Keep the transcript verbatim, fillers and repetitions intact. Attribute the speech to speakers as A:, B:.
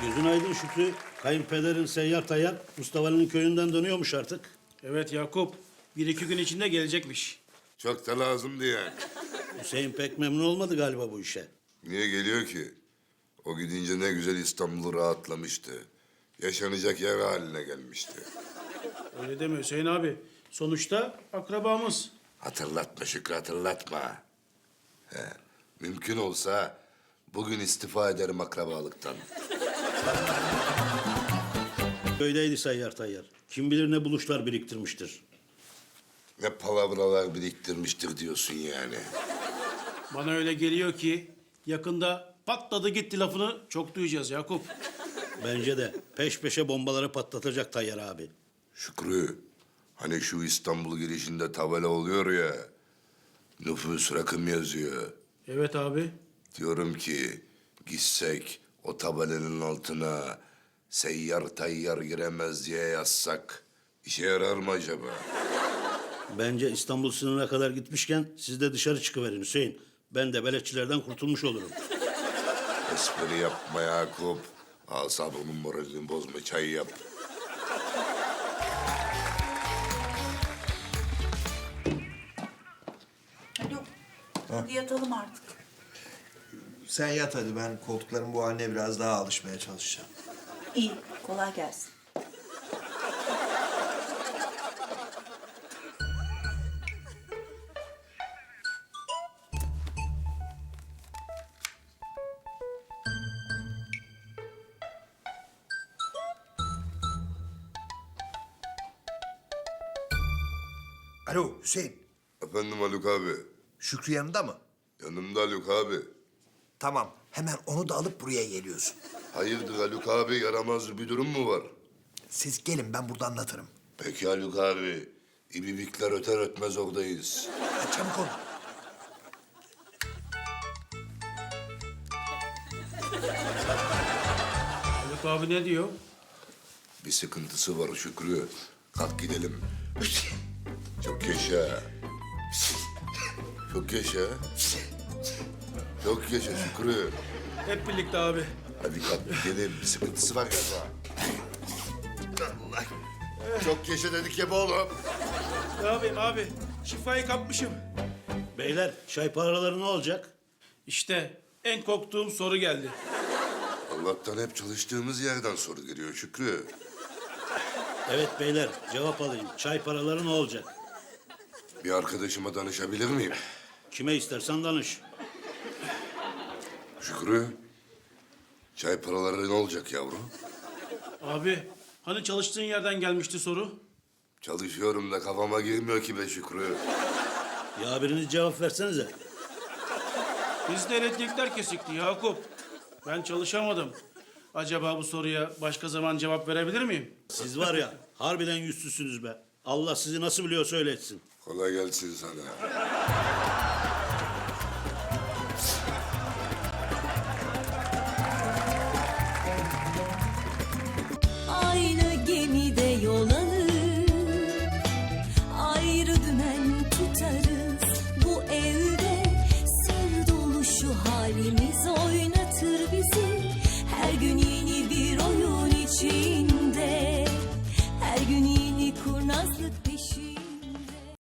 A: Gözün aydın Şükrü. Kayınpederin seyyar tayyar Mustafa'nın köyünden dönüyormuş artık.
B: Evet Yakup. Bir iki gün içinde gelecekmiş.
C: Çok da lazımdı yani.
A: Hüseyin pek memnun olmadı galiba bu işe.
C: Niye geliyor ki? O gidince ne güzel İstanbul'u rahatlamıştı. Yaşanacak yer haline gelmişti.
B: Öyle deme Hüseyin abi. Sonuçta akrabamız.
C: Hatırlatma Şükrü, hatırlatma. He, mümkün olsa bugün istifa ederim akrabalıktan.
A: Köydeydi seyyar tayyar. Kim bilir ne buluşlar biriktirmiştir.
C: Ne palavralar biriktirmiştir diyorsun yani.
B: Bana öyle geliyor ki yakında patladı gitti lafını çok duyacağız Yakup.
A: Bence de peş peşe bombaları patlatacak tayyar abi.
C: Şükrü, hani şu İstanbul girişinde tabela oluyor ya, nüfus rakım yazıyor.
B: Evet abi.
C: Diyorum ki gitsek o tabelanın altına seyyar tayyar giremez diye yazsak işe yarar mı acaba?
A: Bence İstanbul sınırına kadar gitmişken siz de dışarı çıkıverin Hüseyin. Ben de beletçilerden kurtulmuş olurum.
C: Espri yapma Yakup. Asabımın moralini bozma, çay yap.
D: Alo. Hadi yatalım artık.
E: Sen yat hadi, ben koltukların bu haline biraz daha alışmaya çalışacağım.
D: İyi. Kolay gelsin.
E: Alo Hüseyin,
C: Efendim Haluk abi.
E: Şükrü yanında mı?
C: Yanımda Haluk abi.
E: Tamam, hemen onu da alıp buraya geliyorsun.
C: Hayırdır Haluk abi, yaramaz bir durum mu var?
E: Siz gelin, ben burada anlatırım.
C: Peki Haluk abi. İbibikler öter ötmez oradayız.
E: Ha, çabuk ol.
B: Haluk abi ne diyor?
C: Bir sıkıntısı var Şükrü. Kalk gidelim. Çok yaşa. Çok yaşa. Çok yaşa Şükrü.
B: Hep birlikte abi.
C: Hadi kalk gidelim. Bir sıkıntısı var galiba. Allah. Çok yaşa dedik ya be oğlum.
B: Ne yapayım abi? Şifayı kapmışım.
A: Beyler çay paraları ne olacak?
B: İşte en korktuğum soru geldi.
C: Allah'tan hep çalıştığımız yerden soru geliyor Şükrü.
A: Evet beyler cevap alayım. Çay paraları ne olacak?
C: Bir arkadaşıma danışabilir miyim?
A: Kime istersen danış.
C: Şükrü, çay paraları ne olacak yavrum?
B: Abi hani çalıştığın yerden gelmişti soru?
C: Çalışıyorum da kafama girmiyor ki be Şükrü.
A: Ya biriniz cevap versenize.
B: Bizde elektrikler kesikti Yakup. Ben çalışamadım. Acaba bu soruya başka zaman cevap verebilir miyim?
A: Siz var ya harbiden yüzsüzsünüz be. Allah sizi nasıl biliyorsa öyle etsin.
C: Kolay gelsin sana.